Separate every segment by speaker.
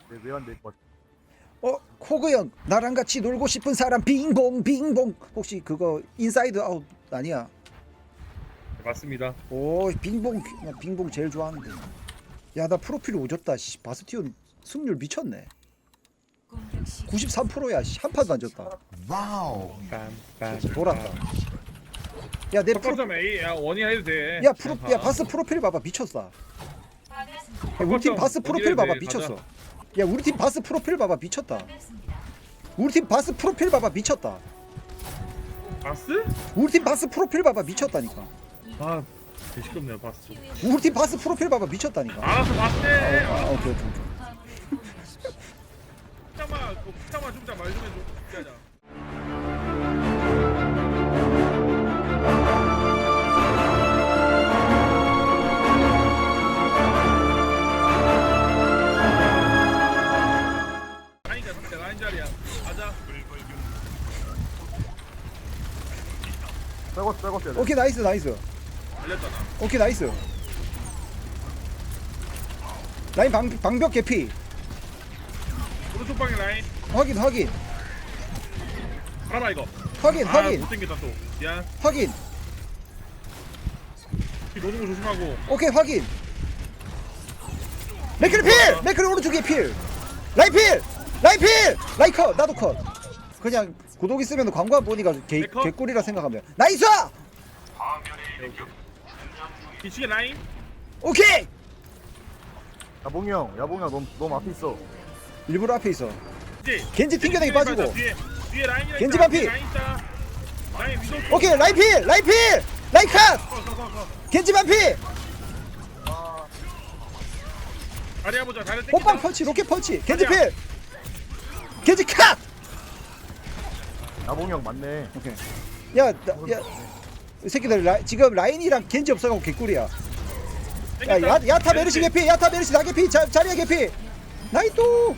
Speaker 1: 왜안될 것?
Speaker 2: 코그 형 나랑 같이 놀고 싶은 사람 빙봉 빙봉. 혹시 그거 인사이드 아웃 아니야?
Speaker 3: 맞습니다.
Speaker 2: 오 빙봉. 나 빙봉 제일 좋아하는데. 야 나 프로필 오졌다. 씨, 바스티온 승률 미쳤네. 93%야. 한 판도 안 졌다.
Speaker 1: 와우.
Speaker 2: 돌았다. 야내 프로
Speaker 3: 첫 점에 A 원이야 해도 돼.
Speaker 2: 야 바스 프로필 봐봐 미쳤어. 야, 우리 팀 바스 프로필 봐봐 미쳤어. 야 우리 팀 바스 프로필 봐봐 미쳤다. 우리 팀 바스 프로필 봐봐 미쳤다.
Speaker 3: 바스?
Speaker 2: 우리 팀 바스 프로필 봐봐 미쳤다니까.
Speaker 3: 아, 되게 시끄럽네요 바스.
Speaker 2: 우리 팀 바스 프로필 봐봐 미쳤다니까.
Speaker 3: 알아서 봤대.
Speaker 2: 오케이.
Speaker 3: 잠깐만 좀 말 좀 해줘. 기다려. 라인이야 상대 라인 자리야. 가자.
Speaker 1: 떼고.
Speaker 2: 오케이 나이스.
Speaker 3: 알렸잖아.
Speaker 2: 오케이 나이스. 라인 방벽 개피.
Speaker 3: 오른쪽 방에 라인.
Speaker 2: 확인.
Speaker 3: 봐봐 이거.
Speaker 2: 확인.
Speaker 3: 못 당겼다 또. 미안.
Speaker 2: 확인.
Speaker 3: 노는 거 조심하고.
Speaker 2: 오케이 확인. 맥크리 필. 맥크리 오른쪽에 필. 라인 필. 라인 컷. 나도 컷. 그냥 구독 있으면 광고 안 보니까
Speaker 3: 컷?
Speaker 2: 개꿀이라 생각하면 나이스.
Speaker 3: 뒤치게 라인.
Speaker 2: 오케이.
Speaker 1: 야봉이 형, 너무 앞에 있어.
Speaker 2: 일부러 앞에 있어.
Speaker 3: 이제
Speaker 2: 겐지 튕겨내기 빠지고.
Speaker 3: 뒤에 라인이랑
Speaker 2: 겐지
Speaker 3: 있다.
Speaker 2: 반피.
Speaker 3: 뒤에 라인 있다. 라인 위도.
Speaker 2: 오케이 라인 필. 라인 컷. 겐지 반피.
Speaker 3: 다리 해보자. 다리 땡겨.
Speaker 2: 호빵 펀치 로켓 펀치. 겐지 필. 겐지 컷.
Speaker 1: 야봉이 형 맞네.
Speaker 2: 오케이. 이 새끼들 지금 라인이랑 겐지 없어가고 개꿀이야. 야타 메르시 개피. 야타 메르시 나 개피. 자리야 개피. 나이또.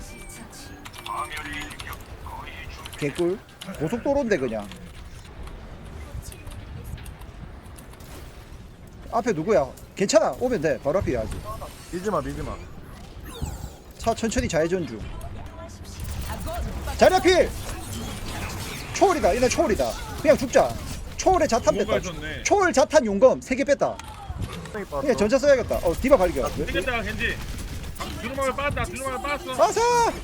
Speaker 2: 개꿀. 고속도로인데 그냥. 앞에 누구야? 괜찮아. 오면 돼. 바로 앞이야 아직.
Speaker 1: 밀지마.
Speaker 2: 차 천천히 좌회전 중. 자리야 필. 초월이다. 얘네 초월이다. 그냥 죽자. 초월에 자탄 뺐다. 초월 자탄 용검 3개 뺐다. 그냥 전차 써야겠다. 디바 발견.
Speaker 3: 땡겼다 겐지. 주루마을 빠졌다. 빠졌어.
Speaker 2: 빠서.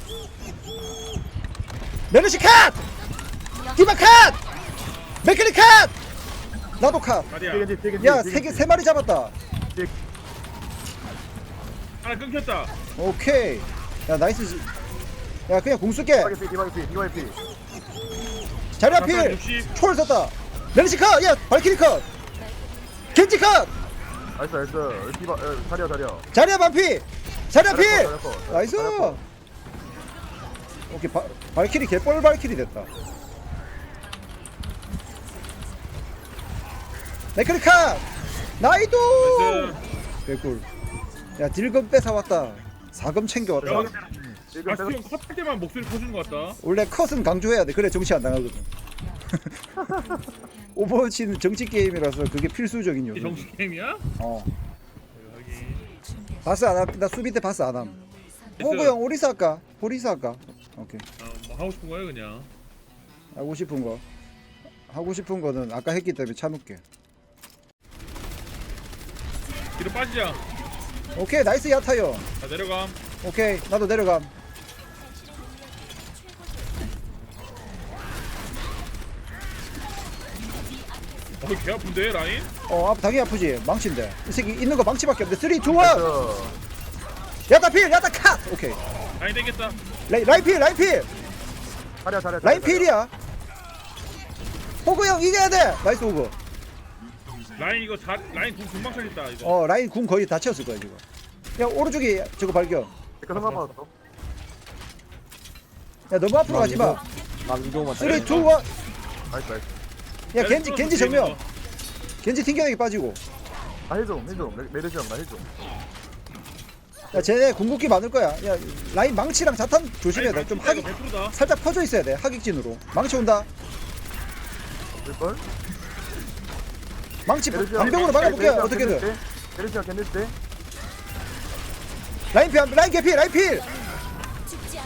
Speaker 2: 메르시 컷. 디바 컷. 맥클리 컷. 나도 컷.
Speaker 3: 다리야.
Speaker 2: 야, 세 마리 잡았다.
Speaker 3: 하나 끊겼다.
Speaker 2: 오케이. 야, 나이스. 야, 그냥 공 쏠게.
Speaker 1: 디바 피.
Speaker 2: 자리 앞필. 초월 썼다. 메르시 컷. 야, 발키리 컷. 겐지 컷.
Speaker 1: 나이스. 디바, 다리야.
Speaker 2: 자리야 반피. 자리야 필.
Speaker 1: 자리야 컷.
Speaker 2: 나이스.
Speaker 1: 자리야 컷.
Speaker 2: 오케이. 발키리 개뻘 발키리 됐다. 맥클리 컷. 나이도. 개꿀. 야, 딜금 뺏어왔다. 4금 챙겨왔다.
Speaker 3: 바스티온 컷할 때만 목소리 커주는 것 같다.
Speaker 2: 원래 컷은 강조해야 돼. 그래 정치 안 당하거든. 오버워치는 정치 게임이라서 그게 필수적인 요소.
Speaker 3: 정식 게임이야? 여기.
Speaker 2: 바스 안 함. 나 수비 때 바스 안 함. 호구 형 오리사 할까? 보리사 할까? 오케이.
Speaker 3: 뭐 하고 싶은 거야 그냥.
Speaker 2: 하고 싶은 거. 하고 싶은 거는 아까 했기 때문에 참을게.
Speaker 3: 뒤로 빠지자.
Speaker 2: 오케이 나이스 야타요.
Speaker 3: 자 내려감.
Speaker 2: 오케이 나도 내려감.
Speaker 3: 개 아픈데 라인?
Speaker 2: 당연히 아프지. 망치인데. 이 새끼 있는 거 망치밖에 없는데. 3, 2, 1.
Speaker 1: 나이스.
Speaker 2: 야타 필. 야타 컷. 오케이.
Speaker 3: 라인 땡겼다.
Speaker 2: 라인 필.
Speaker 1: 자리야.
Speaker 2: 라인 필이야. 호구 형 이겨야 돼. 나이스 호구.
Speaker 3: 라인 이거 라인 궁 금방 차겠다 이거.
Speaker 2: 라인 궁 거의 다 채웠을 거야 지금. 야 오른쪽에 저거 발견.
Speaker 1: 내가 성공 받았어.
Speaker 2: 야 너무 앞으로 가지 마.
Speaker 1: 위도만.
Speaker 2: 3, 2, 1.
Speaker 1: 나이스.
Speaker 2: 야 겐지 정면. 겐지 튕겨내기 빠지고.
Speaker 1: 해줘. 메르시 형, 나 해줘.
Speaker 2: 야 쟤네 궁극기 많을 거야. 야 라인 망치랑 자탄 조심해야 돼. 좀 하기
Speaker 3: 100%다.
Speaker 2: 살짝 퍼져 있어야 돼. 하객진으로. 망치 온다.
Speaker 1: 될걸?
Speaker 2: 망치
Speaker 1: 메르시 형.
Speaker 2: 방벽으로 막아볼게. 어떻게든.
Speaker 1: 메르시 형, 겐지 때.
Speaker 2: 라인 개피.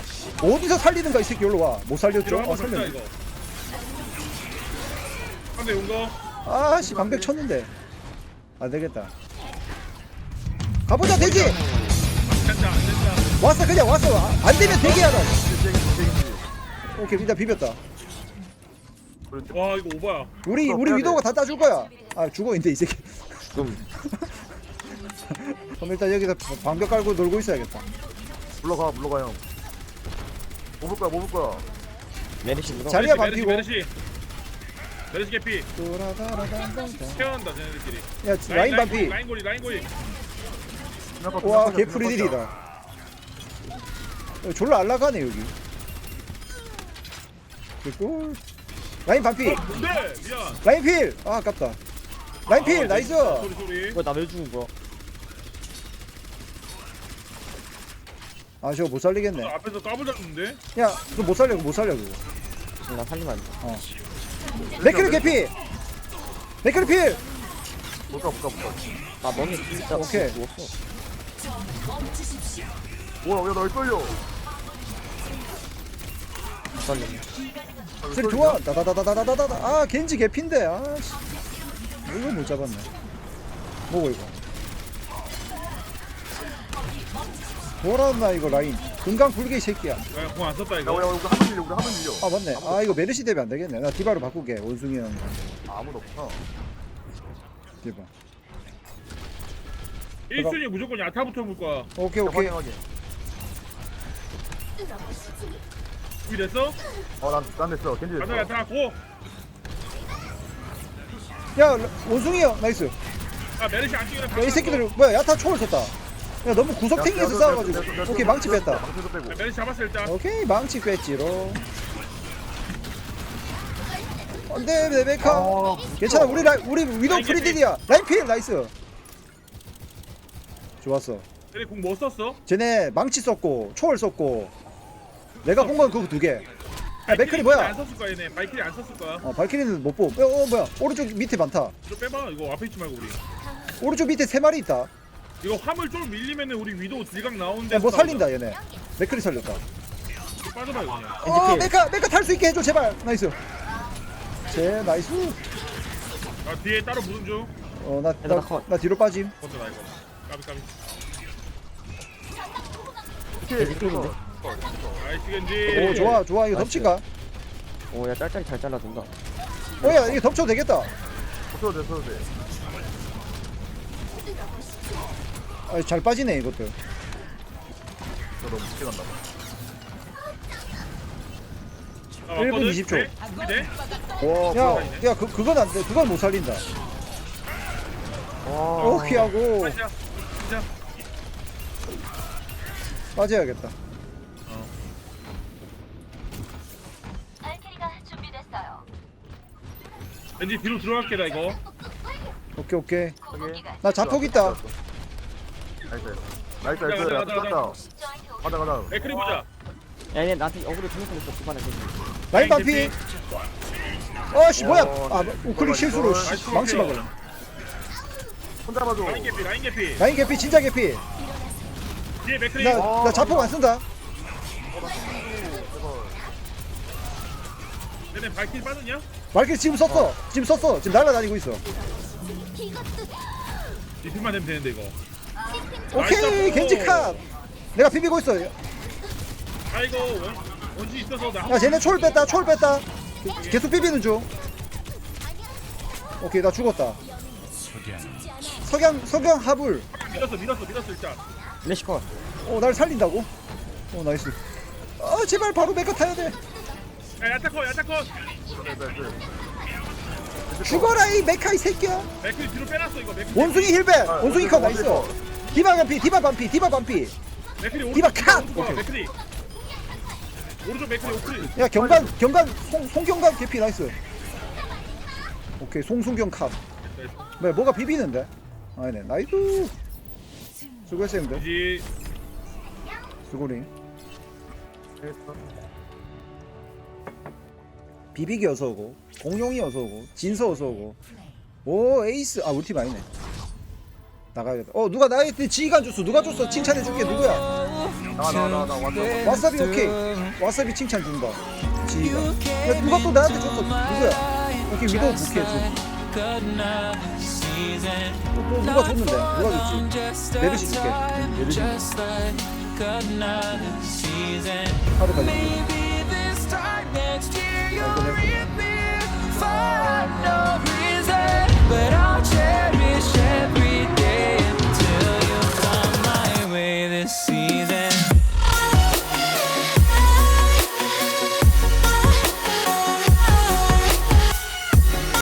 Speaker 2: 어디서 살리는가 이 새끼. 일로 와못 살렸죠?
Speaker 3: 뒤로
Speaker 2: 아
Speaker 3: 한번 잡자
Speaker 2: 살렸네.
Speaker 3: 이거. 상대 용거.
Speaker 2: 아씨 방벽 쳤는데 안되겠다. 가보자 대기.
Speaker 3: 된다 안 된다.
Speaker 2: 왔어 그냥 왔어. 안되면 대기하라.
Speaker 1: 땡기지.
Speaker 2: 오케이 일단 비볐다.
Speaker 1: 그렇지.
Speaker 3: 와 이거 오바야.
Speaker 2: 우리 위도가 다 따줄 거야. 아 죽어 인데 이 새끼.
Speaker 4: 좀
Speaker 2: 그럼 일단 여기서 방벽 깔고 놀고 있어야겠다.
Speaker 1: 물러가 형. 못 볼 거야.
Speaker 4: 메리시 물어.
Speaker 2: 자리야
Speaker 3: 메르시,
Speaker 2: 반피고.
Speaker 3: 메르시 개피.
Speaker 2: 도라다라단단단.
Speaker 3: 태어난다 쟤네들끼리.
Speaker 2: 야 라인 반피.
Speaker 3: 라인 고리.
Speaker 2: 와 개프리딜이다. 졸라 알라가네 여기. 됐고 라인 반피.
Speaker 3: 네 미안.
Speaker 2: 라인 필. 아 아깝다. 라인 필 나이스.
Speaker 3: 소리.
Speaker 4: 이거 나왜 죽은 거야?
Speaker 2: 아 저거 못 살리겠네.
Speaker 3: 앞에서 까불 잡는데.
Speaker 2: 야 그거 못 살려 그거.
Speaker 4: 나 살리면 안 돼.
Speaker 2: 맥크리 개피. 맥크리 필.
Speaker 1: 못 가.
Speaker 4: 아 멍이 진짜
Speaker 2: 오케이.
Speaker 4: 죽었어.
Speaker 1: 뭐야 왜날 끌려?
Speaker 4: 못 살리네.
Speaker 2: 소리 좋아. 다다다다다다다. 아 겐지 개피인데. 아씨. 이거 못 잡았네. 뭐고 이거. 뭐라나 이거 라인. 금강 불개 이 새끼야.
Speaker 3: 공안 썼다
Speaker 1: 야
Speaker 3: 이거.
Speaker 1: 우리 한번 밀려.
Speaker 2: 아 맞네. 아 이거 메르시 대비 안 되겠네. 나 디바로 바꾸게. 원숭이 형.
Speaker 1: 아무도 없어.
Speaker 2: 디바.
Speaker 3: 1순위 무조건 야타부터 볼 거야.
Speaker 2: 오케이 오케이.
Speaker 1: 확인.
Speaker 3: 우리 됐어?
Speaker 1: 난 됐어. 겐지
Speaker 3: 가자
Speaker 1: 됐어.
Speaker 3: 야타 고.
Speaker 2: 야 원숭이 형 나이스.
Speaker 3: 아 메르시 안 뛰는.
Speaker 2: 야, 이 새끼들 뭐야 야타 초월 썼다. 야 너무 구석탱이에서 싸워가지고. 오케이 망치 뺐다.
Speaker 1: 망치도 빼고.
Speaker 3: 메르시 잡았어 일단.
Speaker 2: 오케이 망치 뺐지로. 안돼 레베카. 괜찮아 우리 위도
Speaker 3: 라인
Speaker 2: 프리딜이야. 라인 필 나이스. 좋았어.
Speaker 3: 얘네 공뭐 썼어?
Speaker 2: 쟤네 망치 썼고 초월 썼고 내가 본 건 그거 두 개. 야 맥클이 뭐야?
Speaker 3: 안 썼을 거야 얘네. 발키리 안 썼을 거야.
Speaker 2: 발키리는 못 보고. 뭐야? 오른쪽 밑에 많다.
Speaker 3: 좀 빼봐. 이거 앞에 있지 말고 우리.
Speaker 2: 오른쪽 밑에 세 마리 있다.
Speaker 3: 이거 화물 좀 밀리면은 우리 위도 딜각 나오는데.
Speaker 2: 야 뭐 살린다 얘네. 맥클이 살렸다.
Speaker 3: 빠져봐 이거 그냥.
Speaker 2: 메카 탈 수 있게 해줘 제발. 나이스. 제 나이스.
Speaker 3: 아 뒤에 따로 무슨 중?
Speaker 2: 나 뒤로 빠짐.
Speaker 3: 건드라 이거. 까비. 나이스 겐지.
Speaker 2: 오 좋아 이거
Speaker 4: 나이스.
Speaker 2: 덮친가?
Speaker 4: 오야 짤짤이 잘 잘라준다.
Speaker 2: 야 이거 덮쳐도 되겠다.
Speaker 1: 써도 돼.
Speaker 2: 아, 잘 빠지네 이것도.
Speaker 1: 저 너무 늦게 간다.
Speaker 2: 1분 20초.
Speaker 3: 네?
Speaker 1: 와.
Speaker 2: 야 그건 안 돼. 그건 못 살린다.
Speaker 1: 와.
Speaker 2: 오케이 하고
Speaker 3: 가자. 가자.
Speaker 2: 빠져야겠다.
Speaker 5: 알키리가 준비됐어요.
Speaker 3: 겐지 뒤로 들어갈게 나 이거.
Speaker 2: 오케이.
Speaker 5: 공기가
Speaker 2: 나 자폭 있다.
Speaker 1: 나이스. 가자.
Speaker 3: 맥크리 보자.
Speaker 4: 야 얘네 나한테 어그로 주면서 있어 주반에 그지.
Speaker 2: 라인 반피. 아씨 뭐야?
Speaker 1: 어,
Speaker 2: 아 우클릭 실수로
Speaker 3: 나이스.
Speaker 2: 망치 막을.
Speaker 1: 혼자 봐줘.
Speaker 3: 라인 개피.
Speaker 2: 라인 개피 진짜 개피.
Speaker 3: 뒤에 맥크리.
Speaker 2: 나 자폭 안 쓴다.
Speaker 3: 얘네 발키리 빠졌냐?
Speaker 2: 말길 지금 썼어. 지금 날아다니고 있어.
Speaker 3: 디필만 되면 되는데 이거.
Speaker 2: 오케이
Speaker 3: 나이스.
Speaker 2: 겐지 컷. 내가 비비고 있어.
Speaker 3: 아이고 원지 있어서 나.
Speaker 2: 야 쟤네 초월 뺐다. 계속 비비는 중. 오케이 나 죽었다. 석양 하불.
Speaker 3: 밀었어 일단.
Speaker 4: 레시컷.
Speaker 2: 날 살린다고? 나이스. 제발 바로 메카 타야 돼.
Speaker 3: 야 야타컷.
Speaker 2: 죽어라 이 메카 이 새끼야.
Speaker 3: 맥클 뒤로 빼놨어 이거. 맥클.
Speaker 2: 원숭이 힐백. 원숭이 컷 나이스. 디바 반피.
Speaker 3: 맥클이
Speaker 2: 디바
Speaker 3: 오른쪽.
Speaker 2: 컷!
Speaker 3: 오른쪽 맥클이. 오른쪽 맥클이 오클이.
Speaker 2: 야 경관 송경관 개피 나이스. 오케이 송순경 컷. 뭐가 비비는데? 아니네 나이스. 수고했어 형들.
Speaker 3: 이지.
Speaker 2: 수고링. 비비기 어서오고 공룡이 어서오고 진서 어서오고. 오 에이스. 우리 팀 아니네. 나가야겠다. 누가 나한테 지휘관 줬어. 누가 줬어. 칭찬해줄게. 누구야?
Speaker 1: 나 완전.
Speaker 2: 와사비 오케이. 와사비 칭찬 준다. 지휘관. 야 누가 또 나한테 줬어. 누구야? 오케이 위도우 부캐 줘. 또 누가 줬는데? 누가 줬지? 메르시 줄게. 메르시. 카드 가지고.